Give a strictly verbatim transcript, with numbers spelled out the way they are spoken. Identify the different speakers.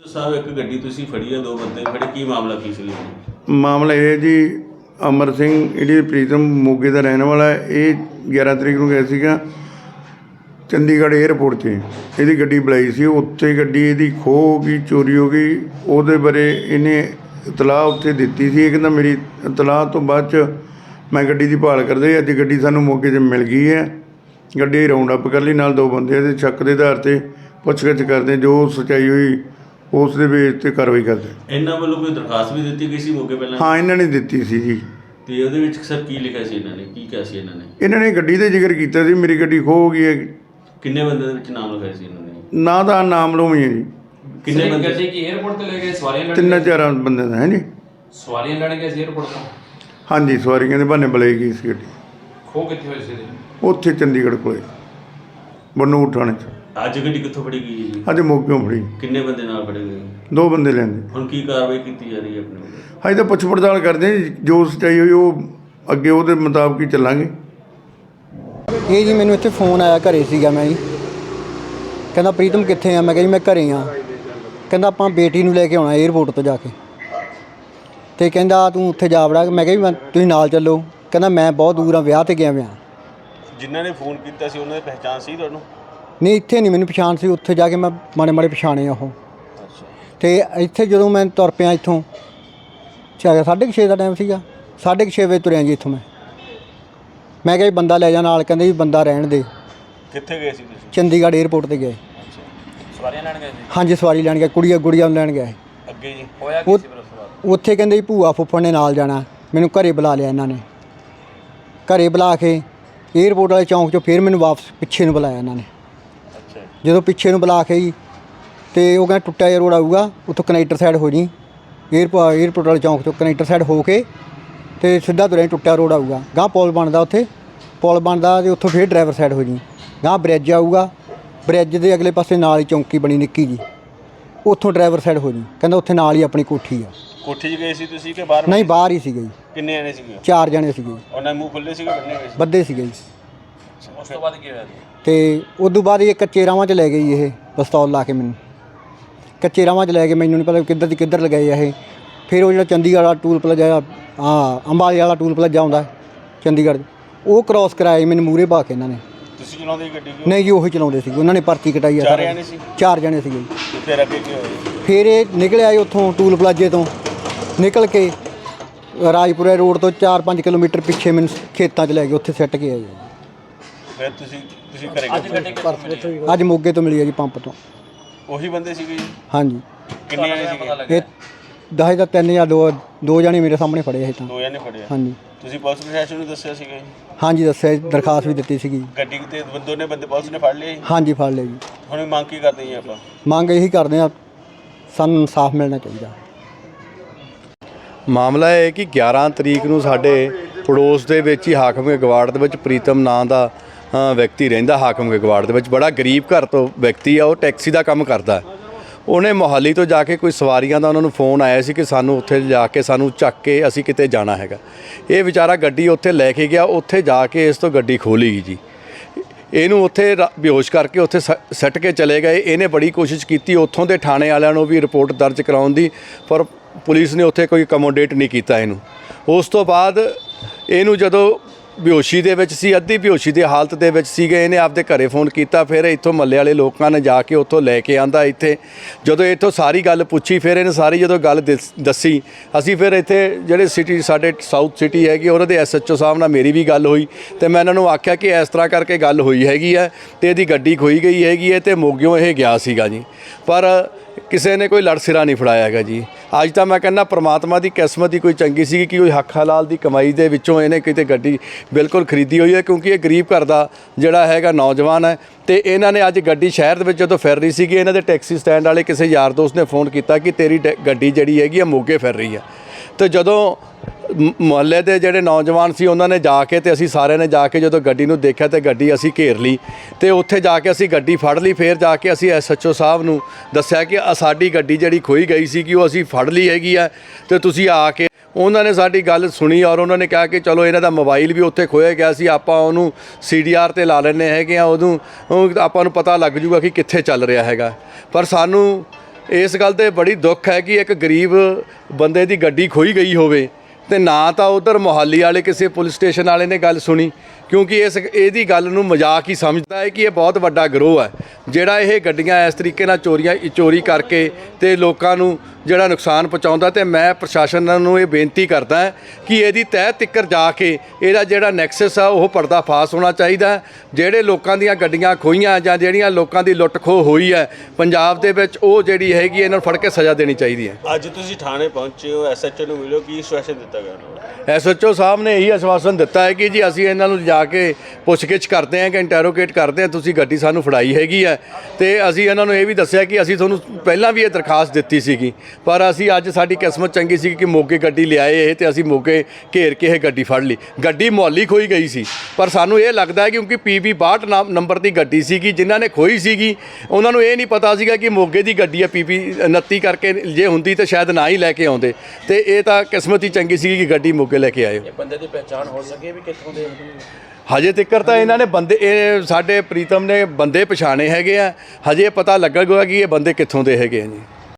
Speaker 1: ਸਾਹਿਬ ਇੱਕ ਗੱਡੀ ਤੁਸੀਂ ਫੜੀ ਹੈ, ਦੋ ਬੰਦੇ ਫੜੇ, ਕੀ ਮਾਮਲਾ ਕੀ ਸੀ?
Speaker 2: ਮਾਮਲਾ ਇਹ ਹੈ ਜੀ, ਅਮਰ ਸਿੰਘ ਜਿਹੜੀ ਪ੍ਰੀਤਮ ਮੋਗੇ ਦਾ ਰਹਿਣ ਵਾਲਾ ਹੈ। ਇਹ ਗਿਆਰਾਂ ਤਰੀਕ ਨੂੰ ਗਿਆ ਸੀਗਾ ਚੰਡੀਗੜ੍ਹ ਏਅਰਪੋਰਟ 'ਤੇ। ਇਹਦੀ ਗੱਡੀ ਬੁਲਾਈ ਸੀ, ਉੱਥੇ ਗੱਡੀ ਇਹਦੀ ਖੋਹ ਹੋ ਗਈ, ਚੋਰੀ ਹੋ ਗਈ। ਉਹਦੇ ਬਾਰੇ ਇਹਨੇ ਇਤਲਾਹ ਉੱਥੇ ਦਿੱਤੀ ਸੀ। ਇਹ ਕਹਿੰਦਾ ਮੇਰੀ ਇਤਲਾਹ ਤੋਂ ਬਾਅਦ 'ਚ ਮੈਂ ਗੱਡੀ ਦੀ ਭਾਲ ਕਰਦੇ। ਅੱਜ ਗੱਡੀ ਸਾਨੂੰ ਮੌਕੇ 'ਤੇ ਮਿਲ ਗਈ ਹੈ। ਗੱਡੀ ਰਾਉਂਡ ਅਪ ਕਰ ਲਈ, ਨਾਲ ਦੋ ਬੰਦੇ ਇਹਦੇ ਸ਼ੱਕ ਦੇ ਆਧਾਰ 'ਤੇ ਪੁੱਛਗਿੱਛ ਕਰਦੇ, ਜੋ ਸੱਚਾਈ ਹੋਈ ਉਸ ਦੇ ਬੇਸ 'ਤੇ ਕਾਰਵਾਈ ਕਰਦੇ।
Speaker 1: ਇਹਨਾਂ ਵੱਲੋਂ ਕੋਈ ਦਰਖਾਸਤ ਵੀ ਦਿੱਤੀ ਗਈ ਸੀ ਮੌਕੇ ਪਹਿਲਾਂ?
Speaker 2: ਹਾਂ, ਇਹਨਾਂ ਨੇ ਦਿੱਤੀ ਸੀ ਜੀ।
Speaker 1: ਤੇ ਉਹਦੇ ਵਿੱਚ ਸਰ ਕੀ ਲਿਖਿਆ ਸੀ? ਇਹਨਾਂ ਨੇ ਕੀ ਕਿਹਾ ਸੀ? ਇਹਨਾਂ ਨੇ
Speaker 2: ਇਹਨਾਂ ਨੇ ਗੱਡੀ ਦਾ ਜ਼ਿਕਰ ਕੀਤਾ ਸੀ, ਮੇਰੀ ਗੱਡੀ ਖੋਹ ਹੋ ਗਈ ਹੈ।
Speaker 1: ਕਿੰਨੇ ਬੰਦੇ ਦੇ ਵਿੱਚ ਨਾਮ ਲਿਖਾਇਆ ਸੀ ਇਹਨਾਂ ਨੇ?
Speaker 2: ਨਾ ਦਾ ਨਾਮ ਲਓ ਹੈ ਜੀ।
Speaker 1: ਕਿੰਨੇ ਬੰਦੇ
Speaker 3: ਗੱਡੀ ਕੀ 에어ਪੋਰਟ ਤੇ ਲੈ ਗਏ? ਸਵਾਰੀਆਂ ਲੈਣ?
Speaker 2: ਤਿੰਨ ਚਾਰ ਬੰਦੇ ਦਾ ਹੈ ਜੀ।
Speaker 3: ਸਵਾਰੀਆਂ ਲੈਣ ਗਏ ਸੀ 에어ਪੋਰਟ ਤੋਂ?
Speaker 2: ਹਾਂਜੀ, ਸਵਾਰੀਆਂ ਦੇ ਬਹਾਨੇ ਬੁਲਾਈ ਗਈ ਸੀ ਗੱਡੀ।
Speaker 3: ਖੋ ਕਿੱਥੇ ਹੋਈ ਸੀ?
Speaker 2: ਉੱਥੇ ਚੰਡੀਗੜ੍ਹ ਕੋਲੇ ਬਨੂੜ ਥਾਣੇ 'ਚ।
Speaker 1: ਅੱਜ ਗੱਡੀ ਕਿੱਥੋਂ ਫੜੀ ਗਈ ਹੈ ਜੀ?
Speaker 2: ਅੱਜ ਮੋਗਿਓਂ ਫੜੀ।
Speaker 1: ਕਿੰਨੇ ਬੰਦੇ ਨਾਲ ਫੜੇ ਗਏ?
Speaker 2: ਦੋ ਬੰਦੇ ਲੈਂਦੇ।
Speaker 1: ਹੁਣ ਕੀ ਕਾਰਵਾਈ ਕੀਤੀ ਜਾ ਰਹੀ ਹੈ ਆਪਣੇ ਵੱਲੋਂ?
Speaker 2: ਹਜੇ ਤਾਂ ਪੁੱਛ ਪੜਤਾਲ ਕਰਦੇ ਹਾਂ ਜੀ, ਜੋ ਸੱਚਾਈ ਹੋਈ ਉਹ ਅੱਗੇ ਉਹਦੇ ਮੁਤਾਬਕ ਹੀ ਚੱਲਾਂਗੇ।
Speaker 4: ਇਹ ਜੀ ਮੈਨੂੰ ਇੱਥੇ ਫੋਨ ਆਇਆ, ਘਰੇ ਸੀਗਾ ਮੈਂ ਜੀ। ਕਹਿੰਦਾ ਪ੍ਰੀਤਮ ਕਿੱਥੇ ਆ? ਮੈਂ ਕਿਹਾ ਜੀ ਮੈਂ ਘਰੇ ਆ। ਕਹਿੰਦਾ ਆਪਾਂ ਬੇਟੀ ਨੂੰ ਲੈ ਕੇ ਆਉਣਾ ਏਅਰਪੋਰਟ ਤੋਂ ਜਾ ਕੇ। ਅਤੇ ਕਹਿੰਦਾ ਤੂੰ ਉੱਥੇ ਜਾ ਵੜਾ। ਮੈਂ ਕਿਹਾ ਜੀ ਮੈਂ ਤੁਸੀਂ ਨਾਲ ਚੱਲੋ। ਕਹਿੰਦਾ ਮੈਂ ਬਹੁਤ ਦੂਰ ਆ, ਵਿਆਹ 'ਤੇ ਗਿਆ ਵਿਆ।
Speaker 1: ਜਿਨ੍ਹਾਂ ਨੇ ਫੋਨ ਕੀਤਾ ਸੀ ਉਹਨਾਂ ਦੀ ਪਹਿਚਾਣ ਸੀ ਤੁਹਾਨੂੰ?
Speaker 4: ਨਹੀਂ, ਇੱਥੇ ਨਹੀਂ ਮੈਨੂੰ ਪਛਾਣ ਸੀ। ਉੱਥੇ ਜਾ ਕੇ ਮੈਂ ਮਾੜੇ ਮਾੜੇ ਪਛਾਣੇ ਉਹ।
Speaker 1: ਅੱਛਾ।
Speaker 4: ਅਤੇ ਇੱਥੇ ਜਦੋਂ ਮੈਂ ਤੁਰ ਪਿਆ ਇੱਥੋਂ, ਚਾਹੇ ਸਾਢੇ ਕੁ ਛੇ ਦਾ ਟਾਈਮ ਸੀਗਾ, ਸਾਢੇ ਕੁ ਛੇ ਵਜੇ ਤੁਰਿਆ ਜੀ ਇੱਥੋਂ ਮੈਂ। ਮੈਂ ਕਿਹਾ ਜੀ ਬੰਦਾ ਲੈ ਜਾ ਨਾਲ। ਕਹਿੰਦੇ ਜੀ ਬੰਦਾ ਰਹਿਣ ਦੇ।
Speaker 1: ਕਿੱਥੇ ਗਏ ਸੀ ਤੁਸੀਂ?
Speaker 4: ਚੰਡੀਗੜ੍ਹ ਏਅਰਪੋਰਟ 'ਤੇ ਗਏ।
Speaker 1: ਅੱਛਾ, ਸਵਾਰੀਆਂ ਲੈਣ ਗਏ ਸੀ?
Speaker 4: ਹਾਂਜੀ, ਸਵਾਰੀ ਲੈਣ ਗਏ, ਕੁੜੀਆਂ ਗੁੜੀਆਂ ਨੂੰ ਲੈਣ ਗਏ।
Speaker 1: ਅੱਗੇ ਜੀ ਹੋਇਆ ਕੀ ਸੀ ਫਿਰ ਉਸ ਤੋਂ ਬਾਅਦ?
Speaker 4: ਉੱਥੇ ਕਹਿੰਦੇ ਜੀ ਭੂਆ ਫੁੱਫੜ ਨੇ ਨਾਲ ਜਾਣਾ। ਮੈਨੂੰ ਘਰੇ ਬੁਲਾ ਲਿਆ ਇਹਨਾਂ ਨੇ। ਘਰੇ ਬੁਲਾ ਕੇ ਏਅਰਪੋਰਟ ਵਾਲੇ ਚੌਂਕ 'ਚੋਂ ਫਿਰ ਮੈਨੂੰ ਵਾਪਸ ਪਿੱਛੇ ਨੂੰ ਬੁਲਾਇਆ ਇਹਨਾਂ ਨੇ।
Speaker 1: ਅੱਛਾ।
Speaker 4: ਜਦੋਂ ਪਿੱਛੇ ਨੂੰ ਬੁਲਾ ਕੇ ਜੀ, ਅਤੇ ਉਹ ਕਹਿੰਦਾ ਟੁੱਟਿਆ ਜਿਹਾ ਰੋਡ ਆਊਗਾ, ਉੱਥੋਂ ਕਨੈਕਟਰ ਸਾਈਡ ਹੋ ਜੀ। ਏਅਰਪੋ ਏਅਰਪੋਰਟ ਵਾਲੇ ਚੌਂਕ 'ਚੋਂ ਕਨੈਕਟਰ ਸਾਈਡ ਹੋ ਕੇ ਅਤੇ ਸਿੱਧਾ ਤੁਰਿਆ, ਟੁੱਟਿਆ ਰੋਡ ਆਊਗਾ। ਗਾਂਹ ਪੁਲ ਬਣਦਾ, ਉੱਥੇ ਪੁਲ ਬਣਦਾ ਅਤੇ ਉੱਥੋਂ ਫਿਰ ਡਰਾਈਵਰ ਸਾਈਡ ਹੋ ਜੀ। ਗਾਂਹ ਬ੍ਰਿਜ ਆਊਗਾ, ਬ੍ਰਿਜ ਦੇ ਅਗਲੇ ਪਾਸੇ ਨਾਲ ਹੀ ਚੌਂਕੀ ਬਣੀ ਨਿੱਕੀ ਜੀ, ਉੱਥੋਂ ਡਰਾਈਵਰ ਸਾਈਡ ਹੋ ਜੀ। ਕਹਿੰਦਾ ਉੱਥੇ ਨਾਲ ਹੀ ਆਪਣੀ ਕੋਠੀ ਆ।
Speaker 1: ਕੋਠੀ 'ਚ ਗਏ ਸੀ ਤੁਸੀਂ ਕਿ ਬਾਹਰ?
Speaker 4: ਨਹੀਂ, ਬਾਹਰ ਹੀ ਸੀਗੇ ਜੀ।
Speaker 1: ਕਿੰਨੇ ਜਣੇ ਸੀਗੇ?
Speaker 4: ਚਾਰ ਜਣੇ ਸੀਗੇ ਜੀ।
Speaker 1: ਉਹਨਾਂ ਦੇ ਮੂੰਹ ਖੁੱਲੇ ਸੀਗੇ, ਬੰਨੇ ਹੋਏ ਸੀ?
Speaker 4: ਬੱਧੇ ਸੀਗੇ ਜੀ।
Speaker 1: ਉਸ ਤੋਂ ਬਾਅਦ ਕੀ ਹੋਇਆ?
Speaker 4: ਅਤੇ ਉਦੋਂ ਬਾਅਦ ਇਹ ਕੱਚੇ ਰਾਵਾਂ 'ਚ ਲੈ ਗਈ ਇਹ ਪਿਸਤੌਲ ਲਾ ਕੇ ਮੈਨੂੰ। ਕੱਚੇ ਰਾਵਾਂ 'ਚ ਲੈ ਕੇ, ਮੈਨੂੰ ਨਹੀਂ ਪਤਾ ਕਿੱਧਰ ਦੀ ਕਿੱਧਰ ਲਗਾਏ ਇਹ। ਫਿਰ ਉਹ ਜਿਹੜਾ ਚੰਡੀਗੜ੍ਹ ਵਾਲਾ ਟੂਲ ਪਲਾਜ਼ਾ, ਹਾਂ ਅੰਬਾਲੇ ਵਾਲਾ ਟੂਲ ਪਲਾਜ਼ਾ ਆਉਂਦਾ ਚੰਡੀਗੜ੍ਹ, ਉਹ ਕ੍ਰੋਸ ਕਰਾਇਆ ਮੈਨੂੰ ਮੂਹਰੇ ਪਾ ਕੇ ਇਹਨਾਂ ਨੇ।
Speaker 1: ਤੁਸੀਂ ਚਲਾਉਂਦੇ ਗੱਡੀ?
Speaker 4: ਨਹੀਂ ਜੀ, ਉਹੀ ਚਲਾਉਂਦੇ ਸੀ। ਉਹਨਾਂ ਨੇ ਪਰਚੀ ਕਟਾਈ ਆ।
Speaker 1: ਚਾਰ ਜਣੇ ਸੀ?
Speaker 4: ਚਾਰ ਜਣੇ ਸੀਗੇ ਜੀ।
Speaker 1: ਫਿਰ ਅੱਗੇ ਕੀ ਹੋਇਆ? ਫਿਰ
Speaker 4: ਇਹ ਨਿਕਲ ਆਏ ਉੱਥੋਂ ਟੂਲ ਪਲਾਜ਼ੇ ਤੋਂ ਨਿਕਲ ਕੇ ਰਾਜਪੁਰੇ ਰੋਡ ਤੋਂ ਚਾਰ ਪੰਜ ਕਿਲੋਮੀਟਰ ਪਿੱਛੇ ਮੈਨੂੰ ਖੇਤਾਂ 'ਚ ਲੈ ਕੇ ਉੱਥੇ ਸਿੱਟ ਕੇ ਆਏ।
Speaker 1: ਫਿਰ ਤੁਸੀਂ ਤੁਸੀਂ ਘਰੇ ਗਏ?
Speaker 4: ਅੱਜ ਮੋਗੇ ਤੋਂ ਮਿਲੀ ਆ ਜੀ, ਪੰਪ ਤੋਂ।
Speaker 1: ਉਹੀ ਬੰਦੇ ਸੀਗੇ ਜੀ?
Speaker 4: ਹਾਂਜੀ।
Speaker 1: ਕਿੰਨੇ ਜਣੇ ਸੀਗੇ?
Speaker 4: ਇਹ ਦਸ ਦਾ ਤਿੰਨ ਜਾਂ ਦੋ ਦੋ ਜਣੇ ਮੇਰੇ ਸਾਹਮਣੇ ਫੜੇ ਇਹ ਤਾਂ।
Speaker 1: ਦੋ ਜਣੇ ਫੜੇ?
Speaker 4: ਹਾਂਜੀ।
Speaker 1: ਤੁਸੀਂ ਪੁਲਿਸ ਪ੍ਰਸ਼ਾਸਨ ਨੂੰ ਦੱਸਿਆ ਸੀਗਾ ਜੀ?
Speaker 4: ਹਾਂਜੀ, ਦੱਸਿਆ ਜੀ, ਦਰਖਾਸਤ ਵੀ ਦਿੱਤੀ ਸੀਗੀ।
Speaker 1: ਗੱਡੀ ਤੇ ਦੋਨੇ ਬੰਦੇ ਪੁਲਿਸ ਨੇ ਫੜ ਲਏ ਜੀ?
Speaker 4: ਹਾਂਜੀ, ਫੜ ਲਿਆ ਜੀ।
Speaker 1: ਹੁਣ ਮੰਗ ਕੀ ਕਰਦੇ ਜੀ ਆਪਾਂ?
Speaker 4: ਮੰਗ ਇਹੀ ਕਰਦੇ ਆ, ਸਾਨੂੰ ਇਨਸਾਫ ਮਿਲਣਾ ਚਾਹੀਦਾ।
Speaker 5: ਮਾਮਲਾ ਇਹ ਹੈ ਕਿ ਗਿਆਰਾਂ ਤਰੀਕ ਨੂੰ ਸਾਡੇ ਪੜੋਸ ਦੇ ਵਿੱਚ ਹੀ ਹਾਕਮ ਗਵਾੜ ਦੇ ਵਿੱਚ ਪ੍ਰੀਤਮ ਨਾਂ ਦਾ ਵਿਅਕਤੀ ਰਹਿੰਦਾ। ਹਾਕਮ ਗਵਾੜ ਦੇ ਵਿੱਚ ਬੜਾ ਗਰੀਬ ਘਰ ਤੋਂ ਵਿਅਕਤੀ ਆ। ਉਹ ਟੈਕਸੀ ਦਾ ਕੰਮ ਕਰਦਾ। ਉਹਨੇ ਮੋਹਾਲੀ ਤੋਂ ਜਾ ਕੇ ਕੋਈ ਸਵਾਰੀਆਂ ਦਾ ਉਹਨਾਂ ਨੂੰ ਫੋਨ ਆਇਆ ਸੀ ਕਿ ਸਾਨੂੰ ਉੱਥੇ ਜਾ ਕੇ ਸਾਨੂੰ ਚੱਕ ਕੇ ਅਸੀਂ ਕਿਤੇ ਜਾਣਾ ਹੈਗਾ। ਇਹ ਵਿਚਾਰਾ ਗੱਡੀ ਉੱਥੇ ਲੈ ਕੇ ਗਿਆ। ਉੱਥੇ ਜਾ ਕੇ ਇਸ ਤੋਂ ਗੱਡੀ ਖੋਲੀ ਗਈ ਜੀ। ਇਹਨੂੰ ਉੱਥੇ ਬੇਹੋਸ਼ ਕਰਕੇ ਉੱਥੇ ਸੱਟ ਕੇ ਚਲੇ ਗਏ। ਇਹਨੇ ਬੜੀ ਕੋਸ਼ਿਸ਼ ਕੀਤੀ ਉੱਥੋਂ ਦੇ ਥਾਣੇ ਵਾਲਿਆਂ ਨੂੰ ਵੀ ਰਿਪੋਰਟ ਦਰਜ ਕਰਾਉਣ ਦੀ, ਪਰ ਪੁਲਿਸ ਨੇ ਉੱਥੇ ਕੋਈ ਅਕੋਮੋਡੇਟ ਨਹੀਂ ਕੀਤਾ ਇਹਨੂੰ। ਉਸ ਤੋਂ ਬਾਅਦ ਇਹਨੂੰ ਜਦੋਂ ਬੇਹੋਸ਼ੀ ਦੇ ਵਿੱਚ ਸੀ, ਅੱਧੀ ਬੇਹੋਸ਼ੀ ਦੀ ਹਾਲਤ ਦੇ ਵਿੱਚ ਸੀਗੇ, ਇਹਨੇ ਆਪਦੇ ਘਰੇ ਫੋਨ ਕੀਤਾ। ਫਿਰ ਇੱਥੋਂ ਮੱਲੇ ਵਾਲੇ ਲੋਕਾਂ ਨੇ ਜਾ ਕੇ ਉੱਥੋਂ ਲੈ ਕੇ ਆਂਦਾ ਇੱਥੇ। ਜਦੋਂ ਇੱਥੋਂ ਸਾਰੀ ਗੱਲ ਪੁੱਛੀ, ਫਿਰ ਇਹਨੇ ਸਾਰੀ ਜਦੋਂ ਗੱਲ ਦੱਸੀ, ਅਸੀਂ ਫਿਰ ਇੱਥੇ ਜਿਹੜੇ ਸਿਟੀ ਸਾਡੇ ਸਾਊਥ ਸਿਟੀ ਹੈਗੀ ਉਹਨਾਂ ਦੇ ਐਸ ਐਚ ਓ ਸਾਹਿਬ ਨਾਲ ਮੇਰੀ ਵੀ ਗੱਲ ਹੋਈ ਅਤੇ ਮੈਂ ਇਹਨਾਂ ਨੂੰ ਆਖਿਆ ਕਿ ਇਸ ਤਰ੍ਹਾਂ ਕਰਕੇ ਗੱਲ ਹੋਈ ਹੈਗੀ ਹੈ ਅਤੇ ਇਹਦੀ ਗੱਡੀ ਖੋਈ ਗਈ ਹੈਗੀ ਹੈ ਅਤੇ ਮੋਗਿਓਂ ਇਹ ਗਿਆ ਸੀਗਾ ਜੀ। ਪਰ ਕਿਸੇ ਨੇ ਕੋਈ ਲੜ ਸਿਰਾ ਨਹੀਂ ਫੜਾਇਆ ਹੈਗਾ ਜੀ। ਅੱਜ ਤਾਂ ਮੈਂ ਕਹਿੰਦਾ ਪ੍ਰਮਾਤਮਾ ਦੀ ਕਿਸਮਤ ਹੀ ਕੋਈ ਚੰਗੀ ਸੀ ਕਿ ਉਹ ਹੱਕ ਹਲਾਲ ਦੀ ਕਮਾਈ ਦੇ ਵਿੱਚੋਂ ਇਹਨੇ ਕਿਤੇ ਗੱਡੀ ਬਿਲਕੁਲ ਖਰੀਦੀ ਹੋਈ ਹੈ, ਕਿਉਂਕਿ ਇਹ ਗਰੀਬ ਘਰ ਦਾ ਜਿਹੜਾ ਹੈਗਾ ਨੌਜਵਾਨ ਹੈ। ਅਤੇ ਇਹਨਾਂ ਨੇ ਅੱਜ ਗੱਡੀ ਸ਼ਹਿਰ ਦੇ ਵਿੱਚ ਜਦੋਂ ਫਿਰ ਰਹੀ ਸੀਗੀ, ਇਹਨਾਂ ਦੇ ਟੈਕਸੀ ਸਟੈਂਡ ਵਾਲੇ ਕਿਸੇ ਯਾਰ ਦੋਸਤ ਨੇ ਫੋਨ ਕੀਤਾ ਕਿ ਤੇਰੀ ਗੱਡੀ ਜਿਹੜੀ ਹੈਗੀ ਆ ਮੋਗੇ ਫਿਰ ਰਹੀ ਹੈ। ਅਤੇ ਜਦੋਂ ਮੁਹੱਲੇ ਦੇ ਜਿਹੜੇ ਨੌਜਵਾਨ ਸੀ ਉਹਨਾਂ ਨੇ ਜਾ ਕੇ, ਅਤੇ ਅਸੀਂ ਸਾਰਿਆਂ ਨੇ ਜਾ ਕੇ ਜਦੋਂ ਗੱਡੀ ਨੂੰ ਦੇਖਿਆ ਅਤੇ ਗੱਡੀ ਅਸੀਂ ਘੇਰ ਲਈ ਅਤੇ ਉੱਥੇ ਜਾ ਕੇ ਅਸੀਂ ਗੱਡੀ ਫੜ ਲਈ। ਫਿਰ ਜਾ ਕੇ ਅਸੀਂ ਐਸ ਐਚ ਓ ਸਾਹਿਬ ਨੂੰ ਦੱਸਿਆ ਕਿ ਸਾਡੀ ਗੱਡੀ ਜਿਹੜੀ ਖੋਈ ਗਈ ਸੀ ਕਿ ਉਹ ਅਸੀਂ ਫੜ ਲਈ ਹੈਗੀ ਆ ਅਤੇ ਤੁਸੀਂ ਆ ਕੇ। ਉਹਨਾਂ ਨੇ ਸਾਡੀ ਗੱਲ ਸੁਣੀ ਔਰ ਉਹਨਾਂ ਨੇ ਕਿਹਾ ਕਿ ਚਲੋ ਇਹਨਾਂ ਦਾ ਮੋਬਾਈਲ ਵੀ ਉੱਥੇ ਖੋਇਆ ਗਿਆ ਸੀ, ਆਪਾਂ ਉਹਨੂੰ ਸੀ ਡੀ ਆਰ 'ਤੇ ਲਾ ਲੈਂਦੇ ਹੈਗੇ ਆ, ਉਦੋਂ ਆਪਾਂ ਨੂੰ ਪਤਾ ਲੱਗ ਜੂਗਾ ਕਿ ਕਿੱਥੇ ਚੱਲ ਰਿਹਾ ਹੈਗਾ। ਪਰ ਸਾਨੂੰ ਇਸ ਗੱਲ ਤੇ ਬੜੀ ਦੁੱਖ ਹੈ ਕਿ ਇੱਕ ਗਰੀਬ ਬੰਦੇ ਦੀ ਗੱਡੀ ਖੋਈ ਗਈ ਹੋਵੇ ਤੇ ਨਾ ਤਾਂ ਉਧਰ ਮੁਹਾਲੀ ਵਾਲੇ ਕਿਸੇ ਪੁਲਿਸ ਸਟੇਸ਼ਨ ਵਾਲੇ ਨੇ ਗੱਲ ਸੁਣੀ, ਕਿਉਂਕਿ ਇਸ ਇਹਦੀ ਗੱਲ ਨੂੰ ਮਜ਼ਾਕ ਹੀ ਸਮਝਦਾ ਹੈ ਕਿ ਇਹ ਬਹੁਤ ਵੱਡਾ ਗਰੋਹ ਹੈ ਜਿਹੜਾ ਇਹ ਗੱਡੀਆਂ ਇਸ ਤਰੀਕੇ ਨਾਲ ਚੋਰੀਆਂ ਚੋਰੀ ਕਰਕੇ ਤੇ ਲੋਕਾਂ ਨੂੰ ਜਿਹੜਾ ਨੁਕਸਾਨ ਪਹੁੰਚਾਉਂਦਾ। ਤੇ ਮੈਂ ਪ੍ਰਸ਼ਾਸਨ ਨੂੰ ਇਹ ਬੇਨਤੀ ਕਰਦਾ ਕਿ ਇਹਦੀ ਤਹਿ ਤਿੱਕਰ ਜਾ ਕੇ ਇਹਦਾ ਜਿਹੜਾ ਨੈਕਸਸ ਆ ਉਹ ਪਰਦਾਫਾਸ਼ ਹੋਣਾ ਚਾਹੀਦਾ। ਜਿਹੜੇ ਲੋਕਾਂ ਦੀਆਂ ਗੱਡੀਆਂ ਖੋਈਆਂ ਜਾਂ ਜਿਹੜੀਆਂ ਲੋਕਾਂ ਦੀ ਲੁੱਟ ਖੋਹ ਹੋਈ ਹੈ ਪੰਜਾਬ ਦੇ ਵਿੱਚ, ਉਹ ਜਿਹੜੀ ਹੈਗੀ ਇਹਨਾਂ ਨੂੰ ਫੜ ਕੇ ਸਜ਼ਾ ਦੇਣੀ ਚਾਹੀਦੀ ਹੈ।
Speaker 1: ਅੱਜ ਤੁਸੀਂ ਥਾਣੇ ਪਹੁੰਚੇ ਹੋ, ਐਸਐਚਓ ਨੂੰ ਮਿਲਿਓ, ਕੀ ਆਸ਼ਵਾਸਨ ਦਿੱਤਾ ਗਿਆ ਉਹਨਾਂ ਨੂੰ?
Speaker 5: ਐਸਐਚਓ ਸਾਹਿਬ ਨੇ ਇਹੀ ਆਸ਼ਵਾਸਨ ਦਿੱਤਾ ਹੈ ਕਿ ਜੀ ਅਸੀਂ ਇਹਨਾਂ ਨੂੰ ਜਾ ਕੇ ਪੁੱਛਗਿੱਛ ਕਰਦੇ ਹਾਂ ਕਿ ਇੰਟਰੋਗੇਟ ਕਰਦੇ ਹਾਂ, ਤੁਸੀਂ ਗੱਡੀ ਸਾਨੂੰ ਫੜਾਈ ਹੈਗੀ ਹੈ। ਤੇ ਅਸੀਂ ਇਹਨਾਂ ਨੂੰ ਇਹ ਵੀ ਦੱਸਿਆ ਕਿ ਅਸੀਂ ਤੁਹਾਨੂੰ ਪਹਿਲਾਂ ਵੀ ਇਹ ਦਰਖਾਸਤ ਦਿੱਤੀ ਸੀਗੀ, ਪਰ ਅਸੀਂ ਅੱਜ ਸਾਡੀ ਕਿਸਮਤ ਚੰਗੀ ਸੀ ਕਿ ਮੋਗੇ ਗੱਡੀ ਲਿਆਏ ਇਹ, ਤੇ ਅਸੀਂ ਮੋਗੇ ਘੇਰ ਕੇ ਇਹ ਗੱਡੀ ਫੜ ਲਈ। ਗੱਡੀ ਮੁਹਾਲੀ ਖੋਈ ਗਈ ਸੀ, ਪਰ ਸਾਨੂੰ ਇਹ ਲੱਗਦਾ ਹੈ ਕਿਉਂਕਿ ਪੀ ਬੀ ਬਾਹਠ ਨੰਬਰ ਦੀ ਗੱਡੀ ਸੀਗੀ ਜਿਨ੍ਹਾਂ ਨੇ ਖੋਈ ਸੀਗੀ, ਉਹਨਾਂ ਨੂੰ ਇਹ ਨਹੀਂ ਪਤਾ ਸੀਗਾ ਕਿ ਮੋਗੇ ਦੀ ਗੱਡੀ ਹੈ। ਪੀ ਬੀ ਉਨੱਤੀ ਕਰਕੇ ਜੇ ਹੁੰਦੀ ਤਾਂ ਸ਼ਾਇਦ ਨਾ ਹੀ ਲੈ ਕੇ ਆਉਂਦੇ, ਤੇ ਇਹ ਤਾਂ ਕਿਸਮਤ ਹੀ ਚੰਗੀ ਸੀਗੀ ਕਿ ਗੱਡੀ ਮੋਗੇ ਲੈ ਕੇ ਆਏ।
Speaker 3: ਬੰਦੇ ਦੀ ਪਹਿਚਾਣ ਹੋ ਸਕੇ ਵੀ ਕਿੱਥੋਂ ਦੇ?
Speaker 5: ਹਜੇ ਤੱਕ ਤਾਂ ਇਹਨਾਂ ਨੇ ਬੰਦੇ, ਇਹ ਸਾਡੇ ਪ੍ਰੀਤਮ ਨੇ ਬੰਦੇ ਪਛਾਣੇ ਹੈਗੇ ਆ, ਹਜੇ ਪਤਾ ਲੱਗੇਗਾ ਕਿ ਇਹ ਬੰਦੇ ਕਿੱਥੋਂ ਦੇ ਹੈਗੇ ਆ ਜੀ।